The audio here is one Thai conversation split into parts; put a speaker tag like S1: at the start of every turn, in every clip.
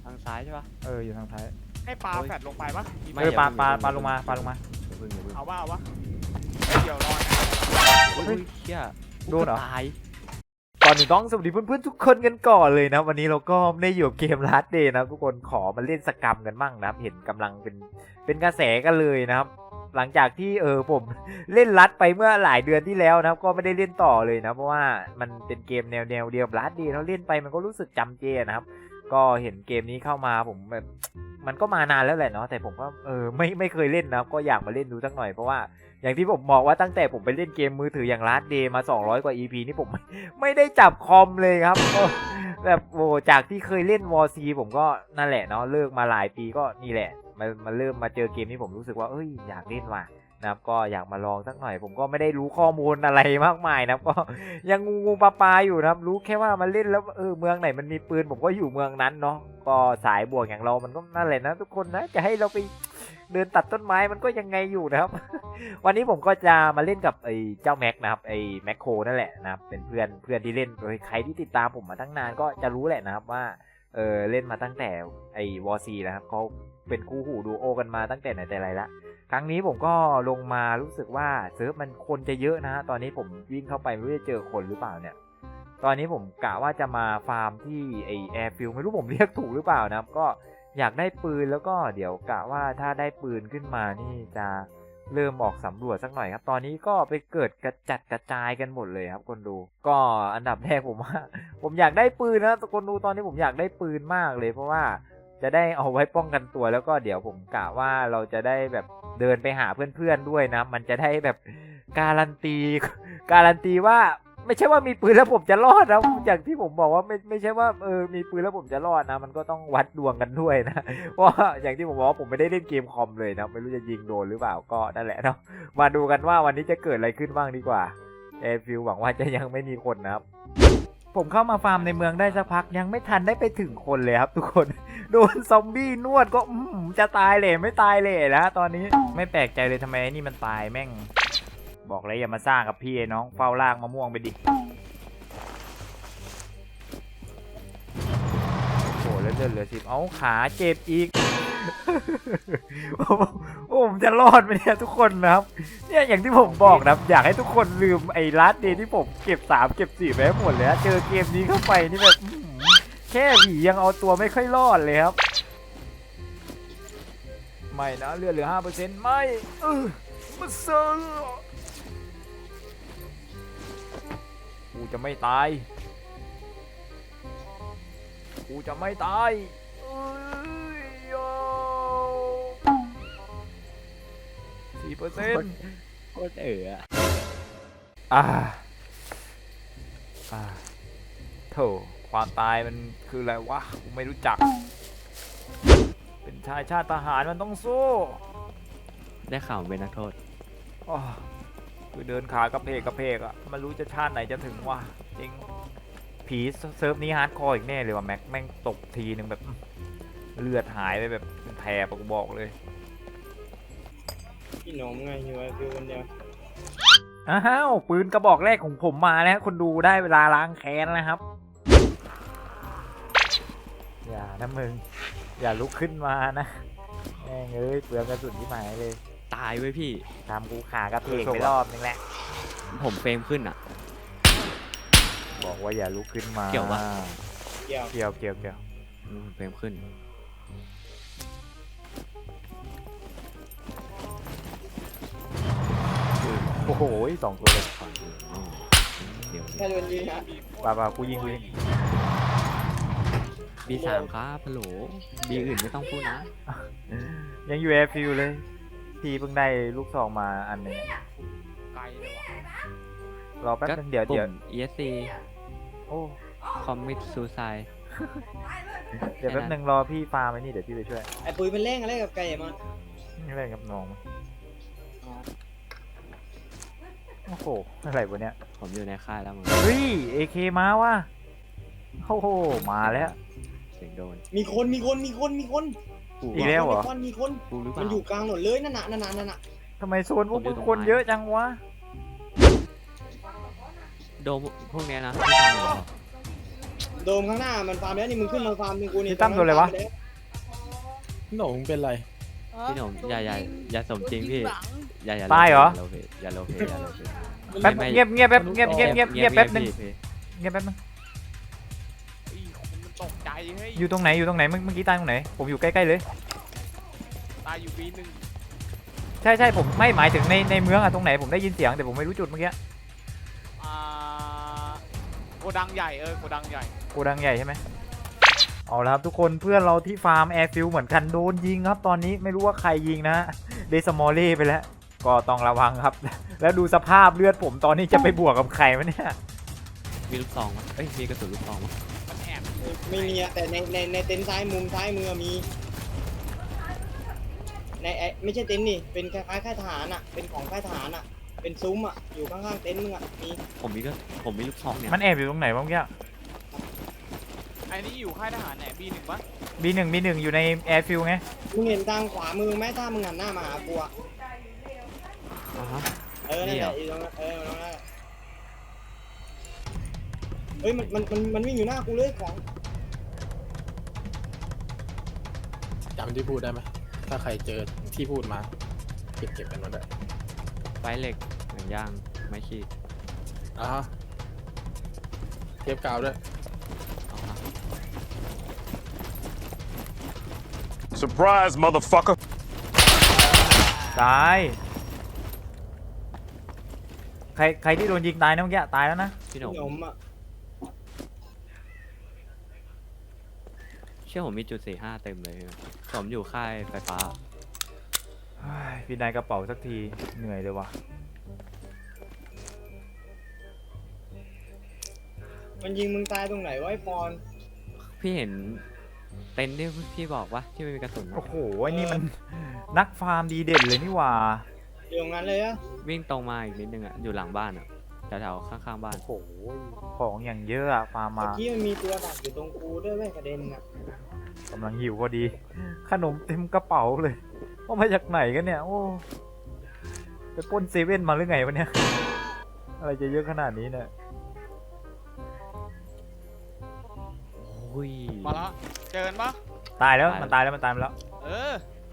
S1: ทางซ้ายใช่ปะ
S2: อยู่ทางท้าย
S3: ให้ปลาแฟดลงไปปะ
S2: ปลาลงมา
S3: เอาวะเดี๋ยวรอนะ
S1: เฮ้ยเชี่ย
S2: โดนเหรอ
S1: ตาย
S2: ก่อนอื่นต้องสวัสดีเพื่อนๆทุกคนกันก่อนเลยนะวันนี้เราก็ไม่ได้อยู่เกมลัดเดย์นะทุกคนขอมาเล่นสกรรมกันบ้างนะครับเห็นกำลังเป็นกระแสกันเลยนะครับหลังจากที่ผมเล่นลัดไปเมื่อหลายเดือนที่แล้วนะครับก็ไม่ได้เล่นต่อเลยนะเพราะว่ามันเป็นเกมแนวเดียวกับลัดเดย์เราเล่นไปมันก็รู้สึกจำเจนะครับก็เห็นเกมนี้เข้ามาผมแบบมันก็มานานแล้วแหละเนาะแต่ผมก็ไม่เคยเล่นนะก็อยากมาเล่นดูสักหน่อยเพราะว่าอย่างที่ผมบอกว่าตั้งแต่ผมไปเล่นเกมมือถืออย่าง Last Day มา200กว่า EP นี่ผมไม่ได้จับคอมเลยครับแบบโอ้จากที่เคยเล่น War C ผมก็นั่นแหละเนาะเลิกมาหลายปีก็นี่แหละมาเริ่มมาเจอเกมนี้ผมรู้สึกว่าอยากเล่นว่ะนะครับก็อยากมาลองสักหน่อยผมก็ไม่ได้รู้ข้อมูลอะไรมากมายนะครับก็ยังงูปลาอยู่นะครับรู้แค่ว่ามาเล่นแล้วเมืองไหนมันมีปืนผมก็อยู่เมืองนั้นเนาะก็สายบวกอย่างเรามันก็นั่นแหละนะทุกคนนะจะให้เราไปเดินตัดต้นไม้มันก็ยังไงอยู่นะครับ วันนี้ผมก็จะมาเล่นกับไอ้เจ้าแม็กนะครับไอ้แม็กโคนั่นแหละนะครับเป็นเพื่อนที่เล่นโดยใครที่ติดตามผมมาตั้งนานก็จะรู้แหละนะครับว่าเล่นมาตั้งแต่ไอ้วอร์ซีนะครับเขาเป็นคู่หูดูโอกันมาตั้งแต่ไหนแต่ไรละครั้งนี้ผมก็ลงมารู้สึกว่าเซิร์ฟมันคนจะเยอะนะตอนนี้ผมวิ่งเข้าไปไม่รู้จะเจอคนหรือเปล่าเนี่ยตอนนี้ผมกะว่าจะมาฟาร์มที่ไอ้แอร์ฟิลไม่รู้ผมเรียกถูกหรือเปล่านะครับก็อยากได้ปืนแล้วก็เดี๋ยวกะว่าถ้าได้ปืนขึ้นมานี่จะเริ่มออกสำรวจสักหน่อยครับตอนนี้ก็ไปเกิดกระจัดกระจายกันหมดเลยครับคนดูก็อันดับแรกผมว่าผมอยากได้ปืนนะคนดูตอนนี้ผมอยากได้ปืนมากเลยเพราะว่าจะได้เอาไว้ป้องกันตัวแล้วก็เดี๋ยวผมกะว่าเราจะได้แบบเดินไปหาเพื่อนๆด้วยนะมันจะได้แบบการันตีว่าไม่ใช่ว่ามีปืนแล้วผมจะรอดนะอย่างที่ผมบอกว่าไม่ใช่ว่ามีปืนแล้วผมจะรอดนะมันก็ต้องวัดดวงกันด้วยนะเพราะอย่างที่ผมบอกว่าผมไม่ได้เล่นเกมคอมเลยนะไม่รู้จะยิงโดนหรือเปล่าก็นั่นแหละเนาะมาดูกันว่าวันนี้จะเกิดอะไรขึ้นบ้างดีกว่าแอร์ฟิลหวังว่าจะยังไม่มีคนนะครับผมเข้ามาฟาร์มในเมืองได้สักพักยังไม่ทันได้ไปถึงคนเลยครับทุกคนโดนซอมบี้นวดก็จะตายเลยไม่ตายเลยนะตอนนี้ไม่แปลกใจเลยทำไมนี่มันตายแม่งบอกเลยอย่ามาสร้างกับพี่น้องเฝ้าลากมะม่วงไปดิโอ้แล้วเลือดเหลือ10เอาขาเจ็บอีก โอ้ผมจะรอดไหมเนี่ยทุกคนนะครับเนี่ยอย่างที่ผมบอกนะอยากให้ทุกคนลืมไอ้ลัดเดย์ที่ผมเก็บ3เก็บ4ไปหมดเลยเจอเกมนี้เข้าไปนี่แบบแค่ผียังเอาตัวไม่ค่อยรอดเลยครับไม่นะเลือดเหลือ 5% ไม่มาเซอร์กูจะไม่ตาย4%
S1: โคตร
S2: โถความตายมันคืออะไรวะกูไม่รู้จักเป็นชายชาติทหารมันต้องสู้
S1: ได้ข่าวเป็นนักโทษ
S2: คือเดินขากระเพกอะมันรู้จะชาติไหนจะถึงวะจริงผีเซิร์ฟนี้ฮาร์ดคอร์อีกแน่เลยว่ะแม็กแม่งตกทีนึงแบบเลือดหายไปแบบเป็นแผลปะกูบอกเลย
S3: พี่หนมไงอยู่ไอ้ฟิวคนเดียว
S2: อ้าวปืนกระบอกแรกของผมมาแล้วคนดูได้เวลาล้างแค้นนะครับอย่านะมึงอย่าลุกขึ้นมานะแม่งเปลืองกระสุนที่หมายเลย
S1: ตายไว้พี่
S2: ทำกูขากระเพกไปรอบนึงแหละ
S1: ผมเฟรมขึ้น
S2: บอกว่าอย่าลุกขึ้นมา
S1: เกี่ยวปะ
S2: เกี่ยว
S1: เฟรมขึ้น
S2: โอ้โห2ตัวเลย
S3: แค่โดนยิงฮะ
S2: ป่ากูยิง
S1: B3ครับฮัลโหลบีอื่นไม่ต้องพูดนะ
S2: ยังอยู่แอร์ฟิลเลยพี่เพิ่งได้ลูกซองมาอันนึง
S3: ไกลเลยว่ะ
S2: รอแป๊บนึงเดี๋ยว
S1: ESC
S2: โอ้
S1: คอมมิตซูไซ
S2: เดี๋ยวแป๊บนึงรอพี่ฟาร์มไว้นี่เดี๋ยวพี่ไปช่วย
S3: ไอ้ปุ้ยเป็นเล่งอะไรกับไก่มัน
S2: อะไรกับน้องโอ้โหอะไรวะเนี่ย
S1: ผมอยู่ในค่ายแล้วมึง
S2: เฮ้ย AK มาว่ะโอ้โหมาแล้ว
S1: เสียงโดน
S3: มีคน
S2: อีกแล้วเหรอ
S3: มีคน
S1: กูหรือเปล่า
S3: มันอยู่กลางถนนเลยนั่นน่ะ
S2: ทำไมโซนพวกมึงคนเยอะจังวะ
S1: โดมพวกนี้นะ
S3: โ
S4: โดมข้างหน้ามันฟาร์มแล้วนี่มึงขึ้นมาฟาร์มมึงกูนี่
S2: พี่ตั้มโดนอะไรวะ
S5: หนูเป็นไร
S1: พี่หนุ่มอย่าสมจริงพี่อย่า
S2: ตายเหรอ
S1: อย่าโลเพอย่าโลเพ
S2: แป๊บ
S1: ไม่
S2: เงียบแป๊บเงียบแป๊บนึง
S1: พี่
S2: เงียบแป๊บนึง
S3: อีคนมันตกใจเฮ้ย
S2: อยู่ตรงไหนเมื่อกี้ตายตรงไหนผมอยู่ใกล้ๆเลย
S3: ตายอยู่ปีหนึ่ง
S2: ใช่ผมไม่หมายถึงในเมืองอะตรงไหนผมได้ยินเสียงแต่ผมไม่รู้จุดเมื่อกี้
S3: อ่าโกดังใหญ่โกดังใหญ่
S2: โกดังใหญ่ใช่ไหมเอาละครับทุกคนเพื่อนเราที่ฟาร์มแอร์ฟิลเหมือนกันโดนยิงครับตอนนี้ไม่รู้ว่าใครยิงนะเดซมอลเล่ไปแล้วก็ต้องระวังครับ แล้วดูสภาพเลือดผมตอนนี้จะไปบวกกับใครวะเนี่ย
S1: มีลูกซองมั้ยเอ้ยมีกระสุนลูกซองมั้ย
S3: มันแอบ
S4: ไม่มีอะแต่ในเต็นท์ซ้ายมุมซ้ายมือมีในไม่ใช่เต็นท์นี่เป็นคล้ายๆค่ายทหารอะเป็นของค่ายทหารอะเป็นซุ้มอะอยู่ข้างๆเต็นท์มึงอะมี
S1: ผมมีลูกซองเนี่ย
S2: มันแอบอยู่ตรงไหนวะเมื่อกี้
S3: ไอ้นี่อยู่ค่ายทหารไหนปีหนึ่งปะ
S2: B1 อยู่ในแอร์ฟิลไง
S4: มึงเห็นทางขวามือไหมถ้ามึงหันหน้ามาหากูอะ
S1: อ่าฮะ
S4: นั่นแหละอยู่ตรงนั้นตรงนั้นเฮ้ยมันวิ่งอยู่หน้ากูเลยของ
S5: จำที่พูดได้ไหมถ้าใครเจอที่พูดมาเก็บกันมาด้วย
S1: ไฟเหล็กหนึ่งย่างไม้ขีด
S5: เทปกาวด้วย
S1: เอาฮะ
S6: Surprise, motherfucker.
S2: ตายใครที่โดนยิงตายนะเมื่อกี้ตายแล้วนะ
S1: พี่หนุ่ม
S4: ขนมอะ
S1: เชื่อผมมีจุด45เต็มเลยผมอยู่ค่ายไฟฟ้า
S2: เฮ้ยพี่นายกระเป๋าสักทีเหนื่อยเลยว่ะ
S4: มันยิงมึงตายตรงไหนวะไอ้ปอน
S1: พี่เห็นเต็นท์ที่พี่บอกว่าที่ไม่มีกระสุน
S2: โอ้โหไอ้นี่มันนักฟาร์มดีเด่นเลยนี่หว่า
S4: อยู่ตรงนั้นเลยอะ
S1: วิ่งตรงมาอีกนิดนึงอ่ะอยู่หลังบ้านอ่ะแถวๆข้างๆบ้าน
S2: โอ้โหของอย่างเยอะอะฟาร์ม
S4: เมื่อ
S2: มา
S4: กี้มันมีตัวดักอยู่ตรงกูด้วยเว้ยกระเด็นอะ
S2: กำลังหิวพอดี ขนมเต็มกระเป๋าเลยว่ามาจากไหนกันเนี่ยโอ้ไปปล้นเซเว่นมาหรือไงวะเนี่ยอะไรจะเยอะขนาดนี้เนี่ย
S1: โอ้ย
S3: มาแล้วเจอกันปะ
S2: ตายแล้วมันตายแล้ว
S3: เออ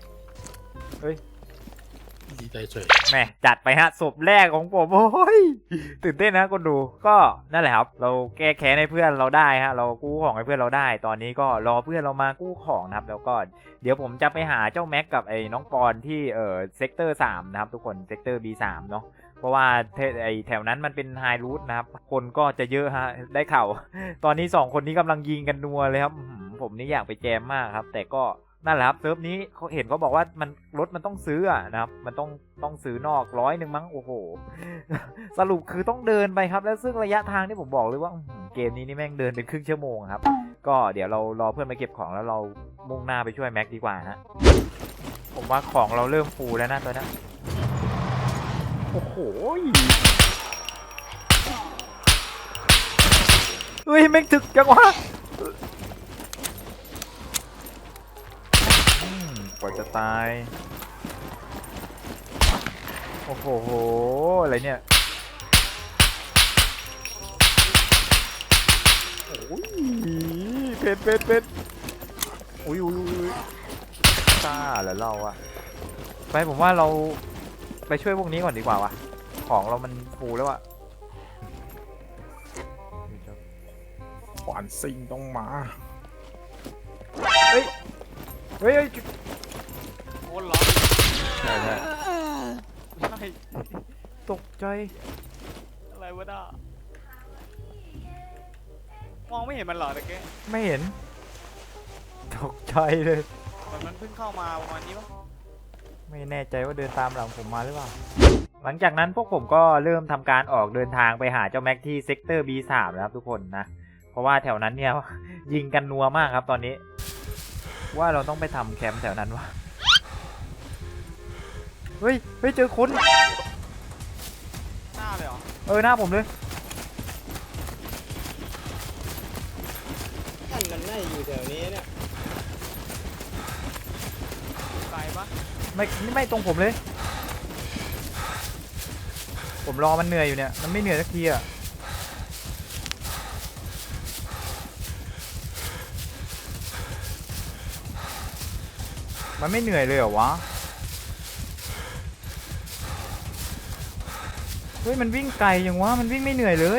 S5: ดีใจเฉย
S2: แหมจัดไปฮะศพแรกของผมโอ้ยตื่นเต้นนะคนดูก็นั่นแหละครับเราแก้แค้นให้เพื่อนเราได้ฮะเรากู้ของให้เพื่อนเราได้ ตอนนี้ก็รอเพื่อนเรามากู้ของนะครับแล้วก็เดี๋ยวผมจะไปหาเจ้าแม็กกับไอ้น้องปอนที่เซกเตอร์3นะครับทุกคนเซกเตอร์ B3 เนาะเพราะว่าไอ้แถวนั้นมันเป็นไฮรูทนะครับคนก็จะเยอะฮะได้ข่าว ตอนนี้2คนนี้กำลังยิงกันนัวเลยครับผมนี่อยากไปแจมมากครับแต่ก็นั่นแหละครับเซิร์ฟนี้เขาเห็นเขาบอกว่ามันรถมันต้องซื้ออะนะครับมันต้องซื้อนอก100มั้งโอ้โห สรุปคือต้องเดินไปครับแล้วซึ่งระยะทางที่ผมบอกเลยว่าเกมนี้นี่แม่งเดินเป็นครึ่งชั่วโมงครับก็เดี๋ยวเรารอเพื่อนมาเก็บของแล้วเรามุ่งหน้าไปช่วยแม็กดีกว่าฮะผมว่าของเราเริ่มฟูแล้วนะตอนนี้โอ้โหเฮ้ยแม่งถึกจังวะกว่าจะตายโอ้โหอะไรเนี่ยโอ้ยเพชรอุ้ยซ่าเหรอเราอะไปผมว่าเราไปช่วยพวกนี้ก่อนดีกว่าวะของเรามันฟูแล้วอะ
S5: ขวานซิงต้องมา
S2: เฮ้ย
S3: โคตรร้อน
S2: ใช่
S3: ไม่ใช่
S2: ตกใจ
S3: อะไรวะน่ะมองไม่เห็นมันเหรอตะเกีย
S2: ไม่เห็นตกใจเลย
S3: เหมือนมันเพิ่งเข้ามาประมาณนี้ปะ
S2: ไม่แน่ใจว่าเดินตามหลังผมมาหรือเปล่าหลังจากนั้นพวกผมก็เริ่มทำการออกเดินทางไปหาเจ้าแม็กที่เซกเตอร์ B3 นะครับทุกคนนะเพราะว่าแถวนั้นเนี่ย ยิงกันนัวมากครับตอนนี้ว่าเราต้องไปทำแคมป์แถวนั้นวะเฮ้ยเจอคน
S3: หน้าเลยเหรอ
S2: หน้าผมเลย
S4: ท่านมันน่าจะอยู่แถวนี้เนี่ย
S3: ไกลปะ
S2: ไม่ตรงผมเลย ผมรอมันเหนื่อยอยู่เนี่ยมันไม่เหนื่อยสักทีอะมันไม่เหนื่อยเลยเหรอวะเฮ้ยมันวิ่งไกลยังวะมันวิ่งไม่เหนื่อยเลย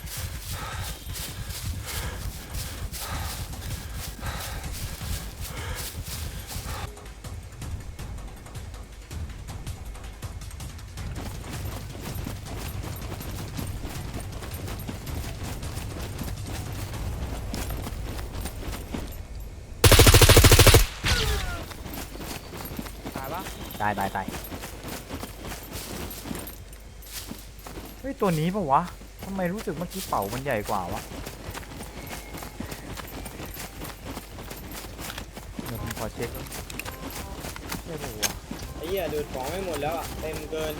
S3: ตายปะ
S2: ตายเฮ้ยตัวนี้ปะวะทำไมรู้สึกเมื่อกี้เป่ามันใหญ่กว่าวะเดี๋ยวผมขอเช็คก่อนใช่ปะวะ
S4: ไอ้เหี้ยดูดของไม่หมดแล้วอ่ะเต็มเกิน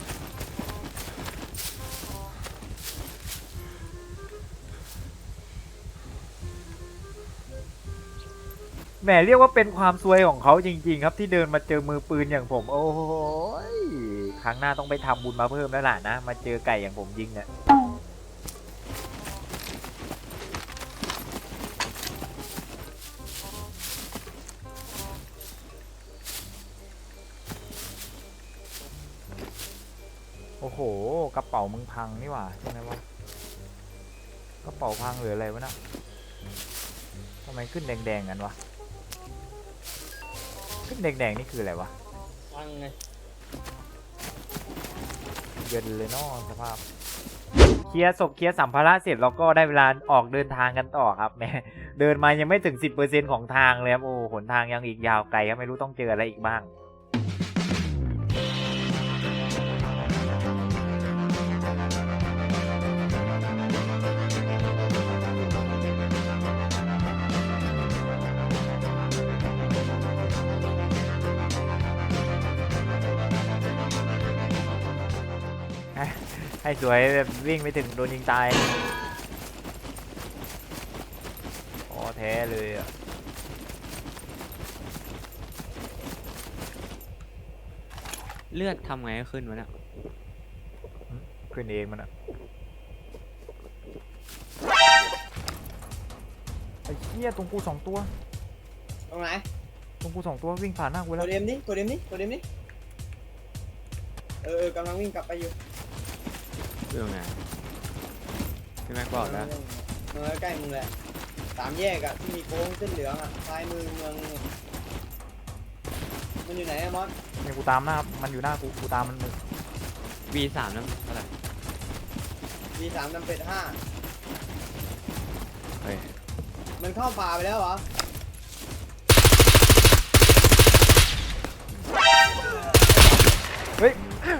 S2: แหมเรียกว่าเป็นความซวยของเขาจริงๆครับที่เดินมาเจอมือปืนอย่างผมโอ้โหยครั้งหน้าต้องไปทำบุญมาเพิ่มแล้วล่ะนะมาเจอไก่อย่างผมยิงเนี่ยโอ้โหกระเป๋ามึงพังนี่หว่าใช่ไหมวะกระเป๋าพังหรืออะไรวะนะทำไมขึ้นแดงๆกันวะขึ้นแดงๆนี่คืออะไรวะ
S4: พังไง
S2: เย็นเลยเนาะสภาพเคลียร์ศพเคลียร์สัมภาระเสร็จเราก็ได้เวลาออกเดินทางกันต่อครับแหม่เดินมายังไม่ถึง 10% ของทางเลยครับโอ้หนทางยังอีกยาวไกลครับไม่รู้ต้องเจออะไรอีกบ้างให้สวยแบบวิ่งไปถึงโดนยิงตายอ๋อแท้เลยอ่ะ
S1: เลือดทำไงให้ขึ้นวะเนี่ย
S2: ขึ้นเองมันอ่ะไอ้เหี้ยตรงกู2 ตัว
S4: ตรงไหน
S2: ตรงกู2 ตัววิ่งผ่านหน้ากู
S4: ก
S2: แล้ว
S4: ดเดมดิกดเดมดิกดเดมดิกำลังวิ่งกลับไปอยู่
S1: เรื่องไงพี่แม็กบอกแล้ว
S4: เมืองใกล้มึงแหละ3 แยกอะที่มีโค้งเส้นเหลืองอะซ้ายมือเมืองมันอยู่ไหนอะมอส
S2: เนี่ยกูตามหน้ามันอยู่หน้ากูตามมันมึง
S1: V3 นั่นเท่าไหร่
S4: V3 นำเป็ด
S1: เฮ้ย
S4: 5มันเข้าป่าไปแล้วเหรอ
S2: เฮ้ย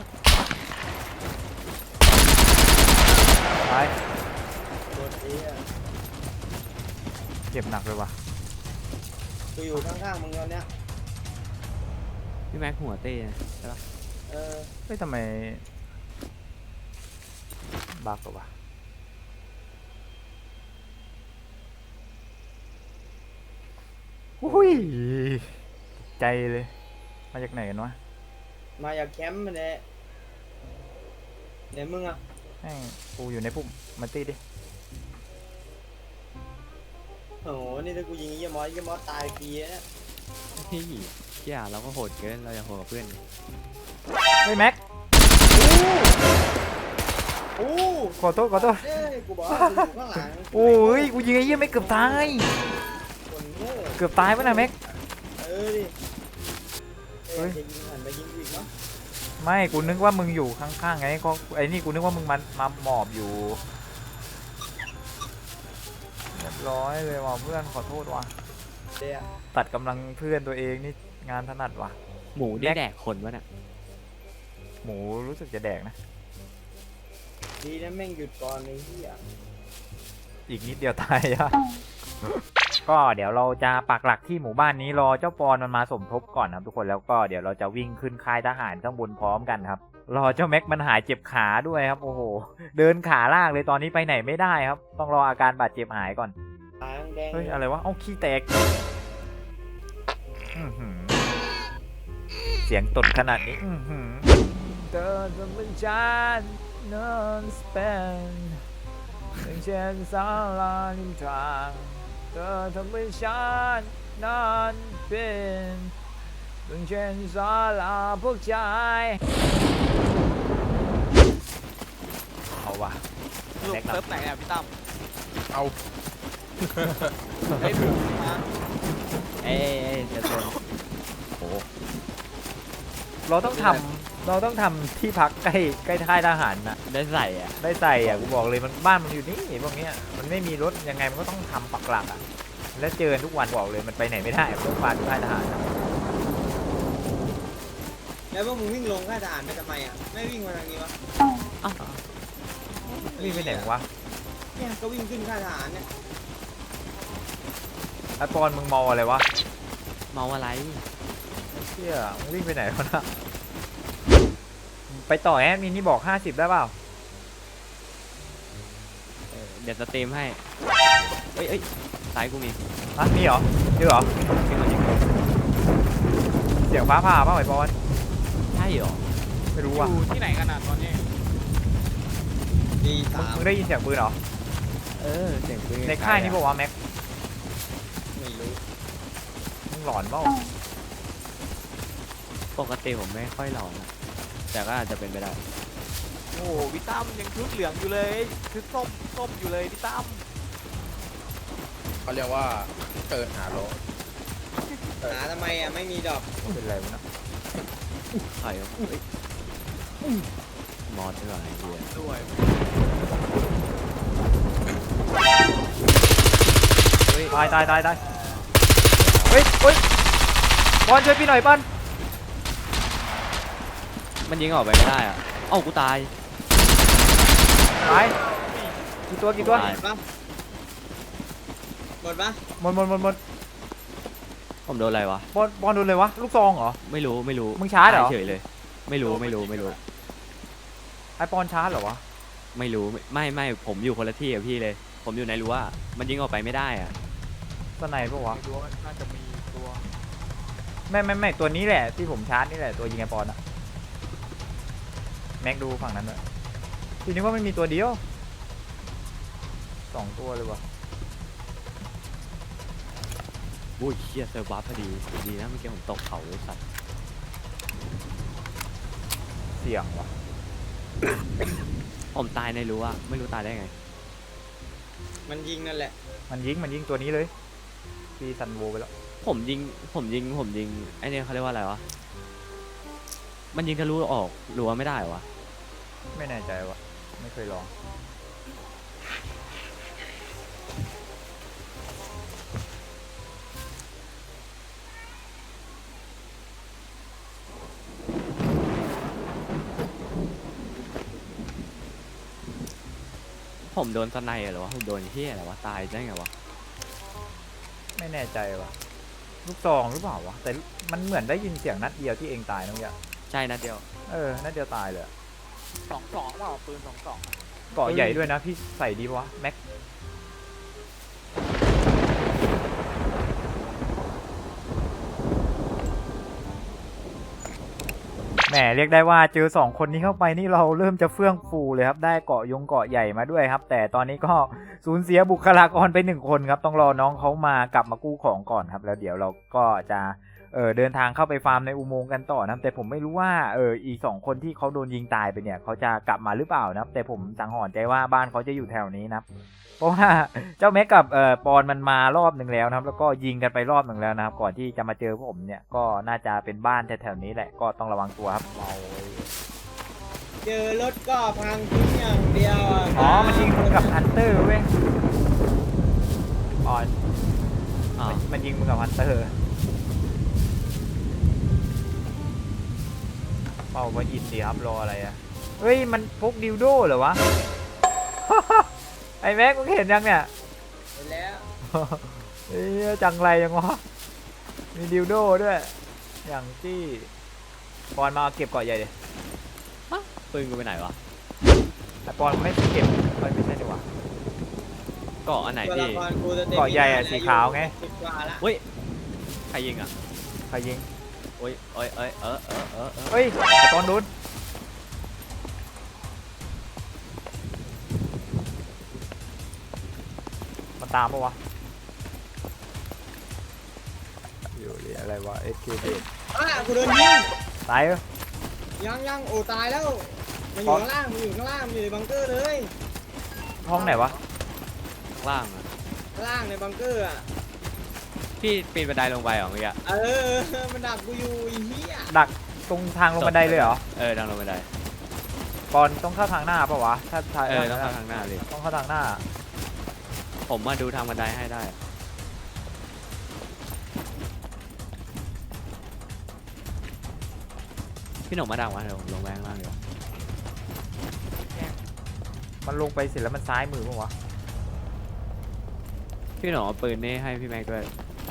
S2: ตาย
S4: โดนตีอะ
S2: เจ็บหนักเลยว่ะ
S4: กูอยู่ข้างๆมึงตอนเนี้ย
S1: พี่แม็กหัวเต้นะใช่ปะ
S4: เออ
S2: เฮ้ยทำไมบักเหรอวะอุ้ยใจเลยมาจากไหนกันวะ
S4: มาจากแคมป์มันแหละไหนมึงอะ
S2: แม่งกูอยู่ในพุ่มมาตีดิ
S4: โอ้โหนี่ถ้ากูยิงไอ้เหี้ยมอสตายฟรีนะ
S1: พี่อย่าเราก็โหดเกินเราอย่าโหดกับเพื่อน
S2: เฮ้ยแม็ก
S4: โอ้
S2: ขอโทษ
S4: เอ้ยกูบอกว่ากูอยู่ข้างหลัง
S2: โอ้ยกูยิงไอ้เหี้ยไม่เกือบตาย
S4: คนโง่
S2: เกือบตายปะนะแม็ก
S4: ดิ
S2: เฮ้ย
S4: จะยิงหันไปยิงกูอีกเนาะ
S2: ไม่กูนึกว่ามึงอยู่ข้างๆไงก็ไอ้นี่กูนึกว่ามึงมาหมอบอยู่เรียบร้อยเลยว่ะเพื่อนขอโทษว่ะ
S4: เดี๋ยว
S2: ตัดกำลังเพื่อนตัวเองนี่งานถนัดว่ะ
S1: หมูได้แดกคนวะเนี่ย
S2: หมูรู้สึกจะแดกนะ
S4: ดีนะแม่งหยุดก่อนไอ้เหี้ย
S2: อีกนิดเดียวตายอะ ก็เดี๋ยวเราจะปักหลักที่หมู่บ้านนี้รอเจ้าปอนมันมาสมทบก่อนนะครับทุกคนแล้วก็เดี๋ยวเราจะวิ่งขึ้นค่ายทหารข้างบนพร้อมกันครับรอเจ้าแม็กมันหายเจ็บขาด้วยครับโอ้โหเดินขาลากเลยตอนนี้ไปไหนไม่ได้ครับ ต้องรออาการบาดเจ็บหายก่อน
S4: ตาแดง
S2: เฮ้ยอะไรวะเอ้าขี้แตกอื้อหือเสียงตดขนาดนี้อื้อหือเธอจะเป็นฉันนอนสเปนเป็นเช่นสาลาริมทางเธอทำให้ฉันนั้นเป็นต้องเช่นศาลาพวกชายเอาวะ
S3: สรุป
S2: แม็กซ์
S3: เซิร์ฟไหนอ่ะพี่ตั้ม
S5: เอา
S3: เฮ้ยผมมา
S1: เอ้ยจะโดนโอ้
S2: เราต้องทำที่พักใกล้ค่ายทหารนะ
S1: ได้ใส่อ่ะ
S2: ได้ใส่อ่ะกูบอกเลยมันบ้านมันอยู่นี่พวกเนี้ยมันไม่มีรถยังไงมันก็ต้องทำปักหลักอ่ะแล้วเจอทุกวันบอกเลยมันไปไหนไม่ได้พวกบ้านค่ายทหารนะ
S4: แล้วพวกมึงวิ่งลงค่ายทหารไปทำไมอ่ะไม่วิ่งมาทางนี้วะ
S1: อ้าว
S2: วิ่งไปไหนวะ
S4: เนี่ยก็วิ่งขึ้นค่ายทหารเนี่ย
S2: ไอปอนมึงมองอะไรวะ
S1: เมาอะไร
S2: เชี่ยมึงวิ่งไปไหนวะนะไปต่อแอดมินนี่บอก50ได้เปล่า
S1: เดี๋ยวสตรีมให้เอ้ยซ้ายกูมี
S2: ฮะมีเหรอจริงเหรอ
S1: จริงเหรอจริง
S2: เสียงฟ้าผ่าเปล่าไอปอน
S1: ใช่เหรอ
S2: ไม่รู้
S3: อ
S2: ว่ะ
S3: ยู่ที่ไหนกันอ่ะตอนนี้
S4: ดีสาม
S2: มึงได้ยินเสียงปืนเหรอ
S1: เสียงปืน
S2: ในค่ายนี่บอกว่าวะแม็ก
S4: ไม่รู้
S2: มึงหลอนเปล่า
S1: ปกติผมไม่ค่อยหลอนอะแต่ก็อาจจะเป็นไปได้
S3: โอ้โหพี่ตั้มยังชุดเหลืองอยู่เลยชุดส้มอยู่เลยพี่ตั้ม
S5: เขาเรียกว่าเกิดหาโล
S4: หาทำไมอ่ะไม่มีดอก
S2: เป็นไรวะนะ
S1: ใครวะเอ้ยมอสด้วยไอ้เหี้ย
S3: ด้วย
S2: ตายเฮ้ยปอนช่วยพี่หน่อยปอน
S1: มันยิงออกไปไม่ได้อ่ะเอ้ากูตาย
S2: ตายกี่ตัว
S1: ตาย
S4: หมดปะ
S2: หมด
S1: ผมโดนอะไรวะ
S2: บอลโดนเลยวะลูกซองเหรอ
S1: ไม่รู้
S2: มึงชาร์จเหรอ
S1: ตยเฉยเลย ไม่รู้
S2: ไอปอนชาร์จเหรอวะ
S1: ไม่รู้ไม่ผมอยู่คนละที่กับพี่เลย ผมอยู่ในรั้วมันยิงออกไปไม่ได้อ่ะ
S2: สไนปะวะ
S3: ไม่รู้ว่าน่าจะมีตัว
S2: ไม่ตัวนี้แหละที่ผมชาร์จนี่แหละตัวยิงไอปอนอะแม็กดูฝั่งนั้นด้วยทีนี้ว่าไม่มีตัวเดียว2ตัวเลยวะ
S1: อุ้ยเชี่ยเซอร์ฟบัฟพอดีดีนะเมื่อกี้ผมตกเขาเลยสัตว์
S2: เสี่ยงวะ
S1: ผมตายในรั้วไม่รู้ตายได้ไง
S4: มันยิงนั่นแหละ
S2: มันยิงตัวนี้เลยตีซันโวไปแล้ว
S1: ผมยิงไอ้เนี่ยเขาเรียกว่าอะไรวะมันยิงทะลุออกรั้วไม่ได้เหรอวะ
S2: ไม่แน่ใจวะไม่เคยลอง
S1: ผมโดนสไนด์เหรอวะผมโดนเฮี้ยอะไรวะตายได้ไงวะ
S2: ไม่แน่ใจวะลูกซองหรือเปล่าวะแต่มันเหมือนได้ยินเสียงนัดเดียวที่เองตายนะเมื่อกี้
S1: ใช่นัดเดียว
S2: นัดเดียวตายเลยอะ
S3: 22เปล่าปืน22
S2: เกาะใหญ่ด้วยนะพี่ใส่ดีปะวะแม็กแหมเรียกได้ว่าเจอ2คนนี้เข้าไปนี่เราเริ่มจะเฟื่องฟูเลยครับได้เกาะใหญ่มาด้วยครับ แต่ตอนนี้ก็สูญเสียบุคลากรไป1คนครับต้องรอน้องเขามากลับมากู้ของก่อนครับแล้วเดี๋ยวเราก็จะเดินทางเข้าไปฟาร์มในอุโมงค์กันต่อนะครับแต่ผมไม่รู้ว่าอีก2คนที่เขาโดนยิงตายไปเนี่ยเขาจะกลับมาหรือเปล่านะครับแต่ผมสังหรณ์ใจว่าบ้านเขาจะอยู่แถวนี้นะครับเพราะว่าเจ้าแม็กกับปอนมันมารอบหนึ่งแล้วนะครับแล้วก็ยิงกันไปรอบหนึ่งแล้วนะครับก่อนที่จะมาเจอผมเนี่ยก็น่าจะเป็นบ้านแถวๆนี้แหละก็ต้องระวังตัวครับ
S4: เจอรถก็พังทิ้งอย่างเดียวอ่ะ
S2: อ๋อมันยิงมึงกับฮันเตอร์เว้ยปอน
S1: อ้าว
S2: มันยิงมึงกับฮันเตอร์เป่ามาอินดีครับรออะไรอ่ะเฮ้ยมันพกดิวโดเหรอวะ ไอ้แม็กมึงเห็นยังเนี่ย
S4: เห็นแล้ว
S2: เฮ้ยจังไรยังวะมีดิวโดด้วยอย่างที่ปอนมาเก็บเกาะใหญ่ดิ
S1: ปืนกูไปไหนวะ
S2: ไอ้ปอนไม่เก็บไม่ใช่ดีกว่า
S1: เกาะอันไหน
S4: ตัวละ
S1: พี่
S4: ครกูจะเต็ม
S2: เกาะใหญ่อะสีขาวไง
S4: 10 กว่าละ
S1: เฮ้ยใครยิงอ่ะ
S2: ใครยิง
S1: โอ้ยเอ้ยเออ
S2: เฮ้ยไอ้ปอนโดนมันตามปะวะอยู่เรียบอะไรวะ SK เดท
S4: กูโดนยิง
S2: ตายเหรอ
S4: ยังโอ้ตายแล้วมันอยู่ข้างล่างมันอยู่ในบังเกอร์เลย
S2: ห้องไหนวะ
S1: ข้างล่างอะ
S4: ข้างล่างในบังเกอร์อ่ะ
S1: พี่ปีนบันไดลงไปเหรอเมื่อกี้
S4: มันดักกูอยู่ไอ้เหี้ย
S2: ดักตรงทางลงบันไดเลยเหรอ
S1: ดังลงบันได
S2: ปอนต้องเข้าทางหน้าปะวะถ้าทาง
S1: ต้องเข้าทางหน้าเลย
S2: ต้องเข้าทางหน้า
S1: ผมมาดูทางบันไดให้ได้ พี่หนุ่มมาดังวะเดี๋ยวผมลงแรงล่างเดี๋ยว
S2: มันลงไปเสร็จแล้วมันซ้ายมือปะวะ
S1: พี่หนุ่มเอาปืนนี่ให้พี่แม็กด้วย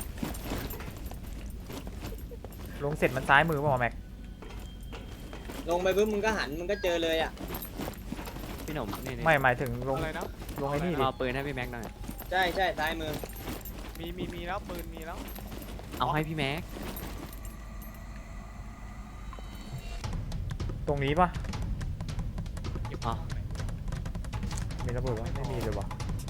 S2: ลงเสร็จมันซ้ายมือปะวะแม็ก
S4: ลงไปปุ๊บมึงก็หันมึงก็เจอเลยอ่ะ
S1: พี่หนุ่มนี่
S2: ไม่หมายถึงลง
S3: อะไรนะ
S2: ลงไอ้นี่ดิ
S1: เอาปืนให้พี่แม็กหน่อย
S4: ใช่ซ้ายมือ
S3: มีแล้วปืนมีแล้ว
S1: เอาให้พี่แม็ก
S2: ตรงนี้ปะ
S1: อ๋อ
S2: มีระเบิดวะไม่มีเลยวะ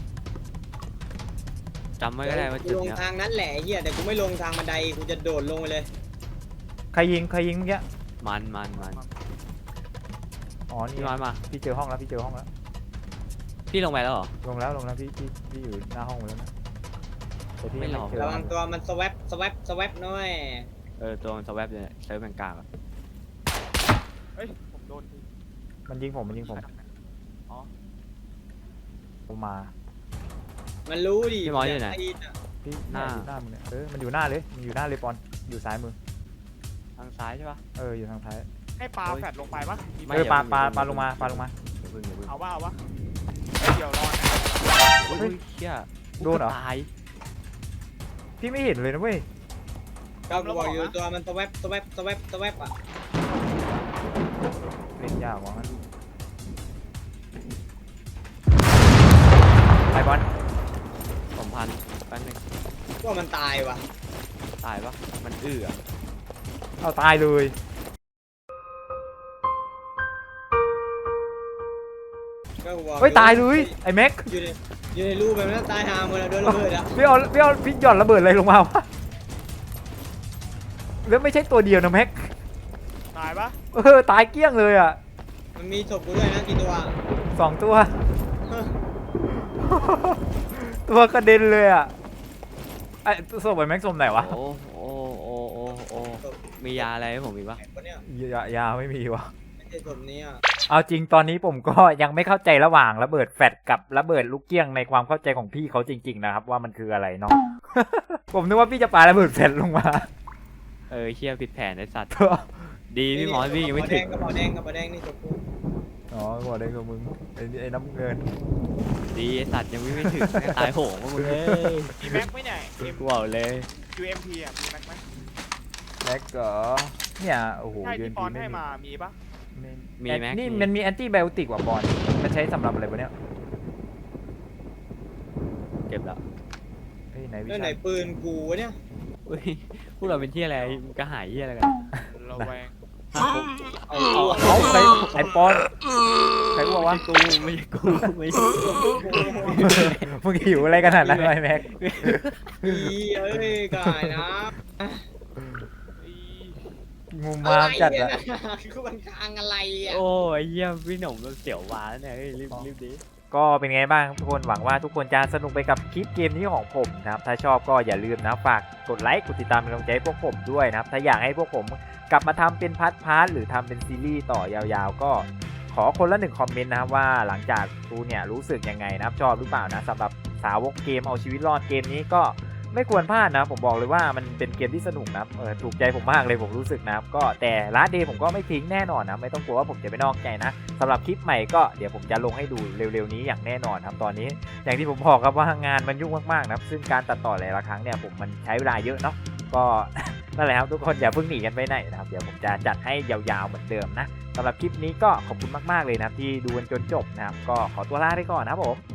S1: จำไว้ก็ได้ว่า
S4: กู
S1: จุด
S4: ลง
S1: เนี้ย
S4: ทางนั้นแหละไอ้เหี้ยแต่กูไม่ลงทางบันไดกูจะโดดลงไปเลย
S2: ใครยิงเมื่อกี้
S1: มัน
S2: อ๋อนี่
S1: พี่น้อยมา
S2: พี่เจอห้องแล้วพี่เจอห้องแล้ว
S1: พี่ลงไปแล้วเหรอ
S2: ลงแล้วพี่อยู่หน้าห้องแล้วนะแต่พี่
S1: ไม่หรอก
S2: เจอ
S4: ระวังตัวมันสแวปหน่อย
S1: ตัวมันสแวบเลยเซิร์ฟแมงกลางอะ
S3: เฮ้ยผมโดน
S2: มันยิงผม
S3: อ๋อ
S2: ผมมา
S4: มันรู้ดิ
S1: พี่มอสอยู่ไหน
S2: พี่
S1: หน้า
S2: อยู่หน้ามึงเนี่ยมันอยู่หน้าเลยปอนอยู่ซ้ายมือ
S1: ทางซ้ายใช่ปะ
S2: อยู่ทางท้าย
S3: ให้ปลาแฟดลงไปปะมี
S1: ไม่
S2: ปลา
S1: อย่าเพิ่ง
S2: ปลาลงมา
S1: อย่าเพิ่ง
S3: เอาวะเดี๋ยวรอนะ
S1: อุ้ยเชี่ย
S2: โดนเหรอ
S1: ตาย
S2: พี่ไม่เห็นเลยนะเว้ย
S4: ก็กูบอกอยู่ตัวมันสแวปอ่ะ
S2: เล่นยากว่ะมันไปบอล
S1: ผมพันแป๊บนึง
S4: ก็มันตายว่ะ
S1: ตายปะมันอื้ออะ
S2: เอาตายเลย
S4: ก็กูบอก
S2: เฮ้ยตายเลยไอ้แม็ก
S4: อยู่ในรูแบบนั้นตายหาหมดแล้วโดนระเบิดอ่ะ
S2: พี่หย่อนระเบิดอะไรลงมาวะแล้วไม่ใช่ตัวเดียวนะแม็ก
S3: ตายปะ
S2: ตายเกลี้ยงเลยอ่ะ
S4: มันมีศพกูด้วยนะกี่ตัว
S2: 2 ตัว ตัวกระเด็นเลยอ่ะไอ้ศพไอ้แม็กศพไหนวะ
S1: โอ้มียาอะไรให้ผมอีกปะ
S4: ไอ้คนเนี้ย
S2: ยาไม่มีวะ
S4: ไม่ใช่ศพนี้อ่ะ
S2: เอาจริงตอนนี้ผมก็ยังไม่เข้าใจระหว่างระเบิดแฟลชกับระเบิดลูกเกี้ยงในความเข้าใจของพี่เขาจริง ๆ นะครับ ว่ามันคืออะไรเนาะ ผมนึกว่าพี่จะปาระเบิดแฟลชลงมา
S1: เชี่ยผิดแผนไอ้สัตว์ ดีพี่หมอพี่ยังไม่ถึง
S4: กระเป๋าแดงนี่ศพกู
S2: อ๋อบอกได้คือมึงไอ้น้ำเงิน
S1: ดีไอ้สัตว์ยังไม่ถึงแม่งตายโหงมามึงเลย
S3: มีแม็กไหมเนี่ย
S1: กูบอกเลย
S3: UMP อ่ะมีแม็กไหม
S2: แม็กเหรอเนี่ยโอ้โห
S3: ใช่
S2: ยืน
S3: ที่ปอน
S2: ไม่
S3: ให้
S2: มี
S3: มามีปะ
S1: มีแม็ก
S2: นี่
S1: มี
S2: มันมีแอนตี้ไบโอติกว่ะบอลมันใช้สำหรับอะไรวะเนี่ย
S1: เก็บแล้ว
S2: เฮ้ยไหนวิ
S4: แล้ว
S2: ชา
S4: ไหนปืนกูวะเนี่ย
S1: อุ้ยพวกเราเป็นที่อะไรกระหายที่อะไรกัน
S3: ระแวง
S2: เอาใครไอปอนใครอ้วกวะ
S1: ไม่ใช่กูไม่ใช่กู
S2: มึงหิวอะไรขนาดนั้นวะไอ้แม็ก
S4: เอ้ยกายนะ
S2: มุมมามจัดอะ
S4: คือมันคางอะไรอ่ะ
S1: โอ้ยเยี่ยมพี่หนุ่มเราเสียววาแล้วเนี่ยเฮ้ยรีบดิ
S2: ก็เป็นไงบ้างทุกคนหวังว่าทุกคนจะสนุกไปกับคลิปเกมนี้ของผมนะครับถ้าชอบก็อย่าลืมนะฝากกดไลค์กดติดตามเป็นกำลังใจให้พวกผมด้วยนะครับถ้าอยากให้พวกผมกลับมาทำเป็นพาร์ทหรือทำเป็นซีรีส์ต่อยาวๆก็ขอคนละ1 คอมเมนต์นะครับว่าหลังจากดูเนี่ยรู้สึกยังไงนะครับชอบหรือเปล่านะสำหรับสาวกเกมเอาชีวิตรอดเกมนี้ก็ไม่ควรพลาดนะผมบอกเลยว่ามันเป็นเกมที่สนุกนะครับถูกใจผมมากเลยผมรู้สึกนะครับก็แต่ลาสเดย์ผมก็ไม่ทิ้งแน่นอนนะไม่ต้องกลัวว่าผมจะไปนอกใจนะสำหรับคลิปใหม่ก็เดี๋ยวผมจะลงให้ดูเร็วๆนี้อย่างแน่นอนครับตอนนี้อย่างที่ผมบอกครับว่างานมันยุ่งมากๆนะครับซึ่งการตัดต่อหลายๆครั้งเนี่ยผมมันใช้เวลาเยอะเนาะก็ นั่นแหละครับทุกคนอย่าเพิ่งหนีกันไปไหนนะครับเดี๋ยวผมจะจัดให้ยาวๆเหมือนเดิมนะสำหรับคลิปนี้ก็ขอบคุณมากๆเลยนะครับที่ดูกันจนจบนะครับก็ขอตัวลาไปก่อนนะครับผม